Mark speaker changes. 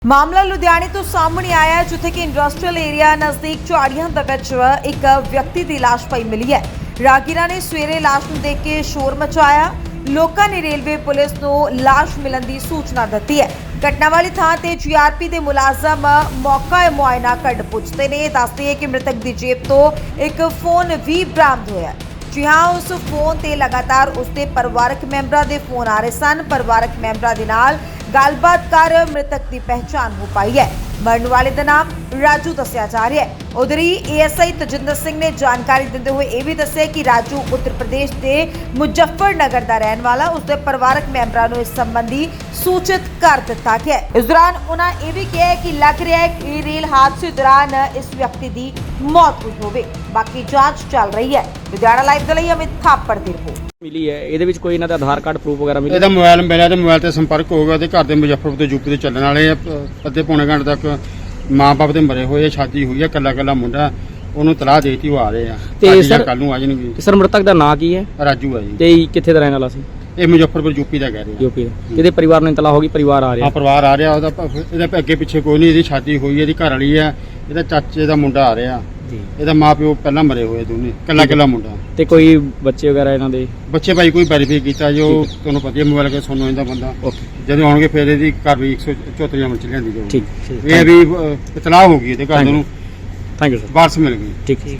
Speaker 1: ਮਾਮਲਾ ਲੁਧਿਆਣੇ ਤੋਂ ਸਾਹਮਣੇ ਆਇਆ ਹੈ, ਜਿੱਥੇ ਕਿ ਇੰਡਸਟਰੀਅਲ ਏਰੀਆ ਨਜ਼ਦੀਕ ਝਾੜੀਆਂ ਦੇ ਵਿੱਚ ਇੱਕ ਵਿਅਕਤੀ ਦੀ ਲਾਸ਼ ਪਈ ਮਿਲੀ ਹੈ। ਰਾਹਗੀਰਾਂ ਨੇ ਸਵੇਰੇ ਲਾਸ਼ ਨੂੰ ਦੇਖ ਕੇ ਸ਼ੋਰ ਮਚਾਇਆ। ਲੋਕਾਂ ਨੇ ਰੇਲਵੇ ਪੁਲਿਸ ਨੂੰ ਲਾਸ਼ ਮਿਲਣ ਦੀ ਸੂਚਨਾ ਦਿੱਤੀ ਹੈ। ਘਟਨਾ ਵਾਲੀ ਥਾਂ ਤੇ ਜੀਆਰਪੀ ਦੇ ਮੁਲਾਜ਼ਮ ਮੌਕਾ ਮੁਆਇਨਾ ਕਰ ਪੁੱਜਦੇ ਨੇ। ਦੱਸਦੇ ਹੈ ਕਿ ਮ੍ਰਿਤਕ ਦੀ ਜੇਬ ਤੋਂ ਇੱਕ ਫੋਨ ਵੀ ਬਰਾਮਦ ਹੋਇਆ। ਜੀ ਹਾਂ, ਉਸ ਫੋਨ ਤੇ ਲਗਾਤਾਰ ਉਸਦੇ ਪਰਿਵਾਰਕ ਮੈਂਬਰਾਂ ਦੇ ਫੋਨ ਆ ਰਹੇ ਸਨ। ਪਰਿਵਾਰਕ ਮੈਂਬਰਾਂ ਦੇ ਨਾਲ ਗੱਲਬਾਤ ਕਰ ਮ੍ਰਿਤਕ ਦੀ ਪਹਿਚਾਣ ਹੋ ਪਾਈ ਹੈ। ਮਰਨ ਵਾਲੇ ਦਾ ਨਾਮ ਰਾਜੂ ਦੱਸਿਆ ਜਾ ਰਿਹਾ ਹੈ। ਉਧਰ ਹੀ ਏਐਸਆਈ ਤਜਿੰਦਰ ਸਿੰਘ ਨੇ ਜਾਣਕਾਰੀ ਦਿੰਦੇ ਹੋਏ ਇਹ ਵੀ ਦੱਸਿਆ ਕਿ ਰਾਜੂ ਉੱਤਰ ਪ੍ਰਦੇਸ਼ ਦੇ ਮੁਜ਼ੱਫਰਨਗਰ ਦਾ ਰਹਿਣ ਵਾਲਾ। ਉਸਦੇ ਪਰਿਵਾਰਕ ਮੈਂਬਰਾਂ ਨੂੰ ਇਸ ਸੰਬੰਧੀ ਸੂਚਿਤ ਕਰ ਦਿੱਤਾ ਗਿਆ ਹੈ। ਇਸ ਦੌਰਾਨ ਉਹਨਾਂ ਇਹ ਵੀ ਕਿਹਾ ਕਿ ਲੱਗ ਰਿਹਾ ਹੈ ਕਿ ਰੇਲ ਹਾਦਸੇ ਦੌਰਾਨ ਇਸ ਵਿਅਕਤੀ ਦੀ ਮੌਤ ਹੋਈ ਹੋਵੇ। ਬਾਕੀ ਜਾਂਚ ਚੱਲ ਰਹੀ ਹੈ। ਲੁਧਿਆਣਾ ਲਾਈਵ ਦੇ ਲਈ ਅਮਿਤ ਥਾਪੜ ਦੀ ਰਿਪੋਰਟ
Speaker 2: ਮਿਲੀ ਹੈ। ਇਹਦੇ ਵਿੱਚ ਕੋਈ ਇਹਨਾਂ ਦਾ ਆਧਾਰ ਕਾਰਡ ਪ੍ਰੂਫ ਵਗੈਰਾ ਮਿਲਿਆ?
Speaker 3: ਇਹਦਾ ਮੋਬਾਈਲ ਮਿਲਿਆ ਤੇ ਮੋਬਾਈਲ ਤੇ ਸੰਪਰਕ ਹੋ ਗਿਆ। ਉਹਦੇ ਘਰ ਦੇ ਮੁਜ਼ੱਫਰਪੁਰ ਤੋਂ ਯੂਪੀ ਤੋਂ ਚੱਲਣ ਵਾਲੇ ਆ। ਅੱਧੇ ਪੌਣੇ ਘੰਟੇ ਤੱਕ ਮਾਂ ਬਾਪ ਦੇ ਮਰੇ ਹੋਏ ਆ, ਸ਼ਾਦੀ ਹੋਈ ਆ, ਕੱਲਾ ਮੁੰਡਾ। ਉਹਨੂੰ ਤਲਾਹ ਦੇਤੀ, ਉਹ ਆ ਰਹੇ ਆ
Speaker 2: ਤੇ ਸਰ
Speaker 3: ਕੱਲ ਨੂੰ ਆ ਜਾਣਗੇ।
Speaker 2: ਸਰ ਮ੍ਰਿਤਕ ਦਾ ਨਾਂ ਕੀ ਹੈ?
Speaker 3: ਰਾਜੂ ਆ ਜੀ।
Speaker 2: ਤੇ ਕਿੱਥੇ ਦਾ ਰਹਿਣ ਵਾਲਾ ਸੀ?
Speaker 3: ਇਹ ਮੁਜ਼ੱਫਰਪੁਰ ਯੂਪੀ ਦਾ ਕਹਿ ਰਹੇ ਆ।
Speaker 2: ਯੂਪੀ ਦਾ। ਕਿਹਦੇ ਪਰਿਵਾਰ ਨੂੰ ਇਤਲਾਹ ਹੋ ਗਈ? ਪਰਿਵਾਰ ਆ ਰਿਹਾ?
Speaker 3: ਹਾਂ, ਪਰਿਵਾਰ ਆ ਰਿਹਾ। ਇਹਦਾ ਅੱਗੇ ਪਿੱਛੇ ਕੋਈ ਨਹੀਂ। ਇਹਦੀ ਸ਼ਾਦੀ ਹੋਈ ਹੈ, ਇਹਦੀ ਘਰ ਵਾਲੀ ਆ, ਇਹਦਾ ਚਾਚੇ ਦਾ ਮੁੰਡਾ ਆ ਰਿਹਾ।
Speaker 2: ਜੀ।
Speaker 3: ਇਹਦਾ ਮਾਂ ਪਿਓ ਪਹਿਲਾਂ ਮਰੇ ਹੋਏ ਦੋਨੇ, ਕੱਲਾ ਮੁੰਡਾ।
Speaker 2: ਤੇ ਕੋਈ ਬੱਚੇ ਵਗੈਰਾ ਇਹਨਾਂ ਦੇ?
Speaker 3: ਬੱਚੇ ਭਾਈ ਕੋਈ ਵੈਰੀਫਾਈ ਕੀਤਾ ਜੋ ਤੁਹਾਨੂੰ ਪਤਾ ਹੀ ਮੋਬਾਈਲ ਕੇ ਸੁਣੋ ਇਹਦਾ ਬੰਦਾ।
Speaker 2: ਓਕੇ।
Speaker 3: ਜਦੋਂ ਆਉਣਗੇ ਫਿਰ ਇਹਦੀ ਘਰ ਵੀ 174 ਅਮਲ ਚ ਲਿਆਂਦੀ ਜਾਊਗੀ।
Speaker 2: ਠੀਕ।
Speaker 3: ਇਹ ਵੀ ਇਤਲਾਹ ਹੋ ਗਈ ਇਹਦੇ ਘਰ ਨੂੰ,
Speaker 2: ਥੈਂਕ ਯੂ ਸਰ।
Speaker 3: ਵਾਰਸ ਮਿਲ ਗਈ।
Speaker 2: ਠੀਕ।